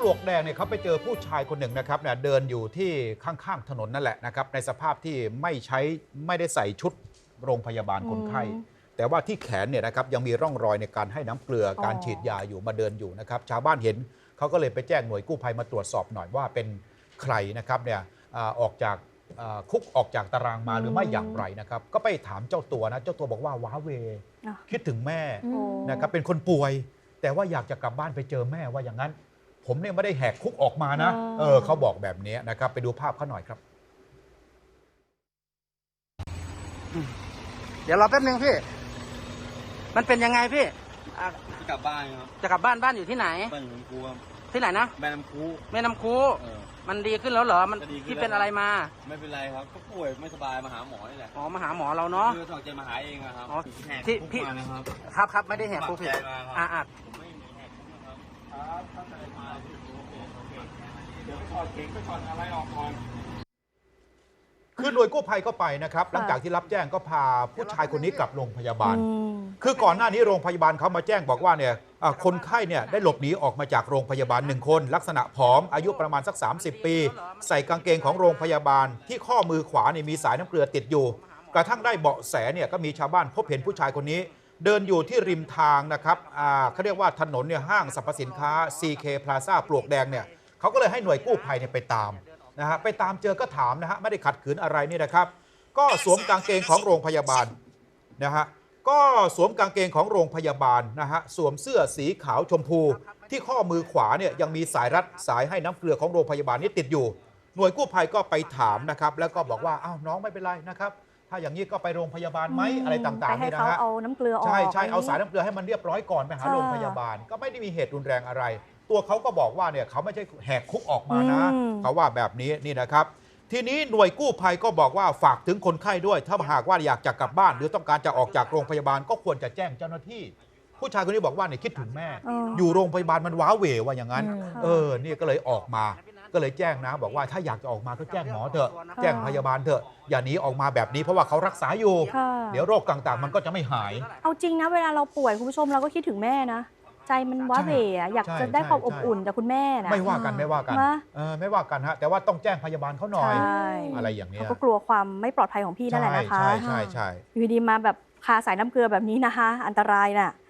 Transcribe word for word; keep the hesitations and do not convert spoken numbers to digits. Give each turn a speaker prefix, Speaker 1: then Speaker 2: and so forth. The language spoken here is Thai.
Speaker 1: ลวกแดงเนี่ยเขาไปเจอผู้ชายคนหนึ่งนะครับเนี่ยเดินอยู่ที่ข้างๆถนนนั่นแหละนะครับในสภาพที่ไม่ใช้ไม่ได้ใส่ชุดโรงพยาบาลคนไข้แต่ว่าที่แขนเนี่ยนะครับยังมีร่องรอยในการให้น้ำเกลือการฉีดยาอยู่มาเดินอยู่นะครับชาวบ้านเห็นเขาก็เลยไปแจ้งหน่วยกู้ภัยมาตรวจสอบหน่อยว่าเป็นใครนะครับเนี่ยออกจากคุกออกจากตารางมาหรือไม่อย่างไรนะครับก็ไปถามเจ้าตัวนะเจ้าตัวบอกว่าว้าเวคิดถึงแม่นะครับเป็นคนป่วยแต่ว่าอยากจะกลับบ้านไปเจอแม่ว่าอย่างนั้นผมเนี่ยไม่ได้แหกคุกออกมานะเออเขาบอกแบบนี้นะครับไปดูภาพเขาหน่อยครับ
Speaker 2: เดี๋ยวรอแป๊บนึงพี่มันเป็นยังไงพี่
Speaker 3: จะกลับบ้านครับ
Speaker 2: จะกลับบ้านบ้านอยู่ที่ไหน
Speaker 3: บ้านอยู่น้ำคูครับ
Speaker 2: ที่ไหนนะ
Speaker 3: แม่น้ำคู
Speaker 2: แม่น้ำคูมันดีขึ้นแล้วเหรอมันที่เป็นอะไรมา
Speaker 3: ไม่เป็นไรครับก็ป่วยไม่สบายมาหาหมอนี่แหละ
Speaker 2: อ๋อมาหาหมอเราเนาะ
Speaker 3: คือสองใจมาหาเองครับ
Speaker 2: อ๋อที่พี่ครับครับไม่ได้แหกคุกพี่อ่าอ่า
Speaker 1: คือหน่วยกู้ภัยก็ไปนะครับหลังจากที่รับแจ้งก็พาผู้ชายคนนี้กลับโรงพยาบาลคือก่อนหน้านี้โรงพยาบาลเขามาแจ้งบอกว่าเนี่ยคนไข้เนี่ยได้หลบหนีออกมาจากโรงพยาบาลหนึ่งคนลักษณะผอมอายุประมาณสักสามสิบปีใส่กางเกงของโรงพยาบาลที่ข้อมือขวาเนี่ยมีสายน้ำเกลือติดอยู่กระทั่งได้เบาะแสเนี่ยก็มีชาวบ้านพบเห็นผู้ชายคนนี้เดินอยู่ที่ริมทางนะครับเขาเรียกว่าถนนเนี่ยห้างสรรพสินค้า ซี เค Plaza ปลวกแดงเนี่ยเขาก็เลยให้หน่วยกู้ภัยเนี่ยไปตามนะฮะไปตามเจอก็ถามนะฮะไม่ได้ขัดขืนอะไรนี่นะครับก็สวมกางเกงของโรงพยาบาลนะฮะก็สวมกางเกงของโรงพยาบาลนะฮะสวมเสื้อสีขาวชมพูที่ข้อมือขวาเนี่ยยังมีสายรัดสายให้น้ำเกลือของโรงพยาบาลนี้ติดอยู่หน่วยกู้ภัยก็ไปถามนะครับแล้วก็บอกว่าอ้าวน้องไม่เป็นไรนะครับถ้าอย่างนี้ก็ไปโรงพยาบาลไหมอะไรต่างๆนี่นะฮะ
Speaker 4: เอาน้ำเกลือออก
Speaker 1: ใช่ใช่เอาสายน้ำเกลือให้มันเรียบร้อยก่อนไปหาโรงพยาบาลก็ไม่ได้มีเหตุรุนแรงอะไรตัวเขาก็บอกว่าเนี่ยเขาไม่ใช่แหกคุกออกมานะเขาว่าแบบนี้นี่นะครับทีนี้หน่วยกู้ภัยก็บอกว่าฝากถึงคนไข้ด้วยถ้าหากว่าอยากจะกลับบ้านหรือต้องการจะออกจากโรงพยาบาลก็ควรจะแจ้งเจ้าหน้าที่ผู้ชายคนนี้บอกว่าเนี่ยคิดถึงแม่อยู่โรงพยาบาลมันว้าเหวว่าอย่างนั้นเออนี่ก็เลยออกมาก็เลยแจ้งนะบอกว่าถ้าอยากจะออกมาก็แจ้งหมอเถอะแจ้งพยาบาลเถอะอย่าหนีออกมาแบบนี้เพราะว่าเขารักษาอยู่เดี๋ยวโรคต่างๆมันก็จะไม่หาย
Speaker 4: เอาจริงนะเวลาเราป่วยคุณผู้ชมเราก็คิดถึงแม่นะใจมันว้าเหวอยากจะได้ความอบอุ่นจากคุณแม่นะ
Speaker 1: ไม่ว่ากันไม่ว่ากันไม่ว่ากันฮะแต่ว่าต้องแจ้งพยาบาลเขาหน่อยอะไรอย่างนี้
Speaker 4: เขาก็กลัวความไม่ปลอดภัยของพี่นั่นแหละนะคะ
Speaker 1: ใช่ใช่ใช่
Speaker 4: อยู่ดีมาแบบคาสายน้ำเกลือแบบนี้นะคะอันตรายน่ะ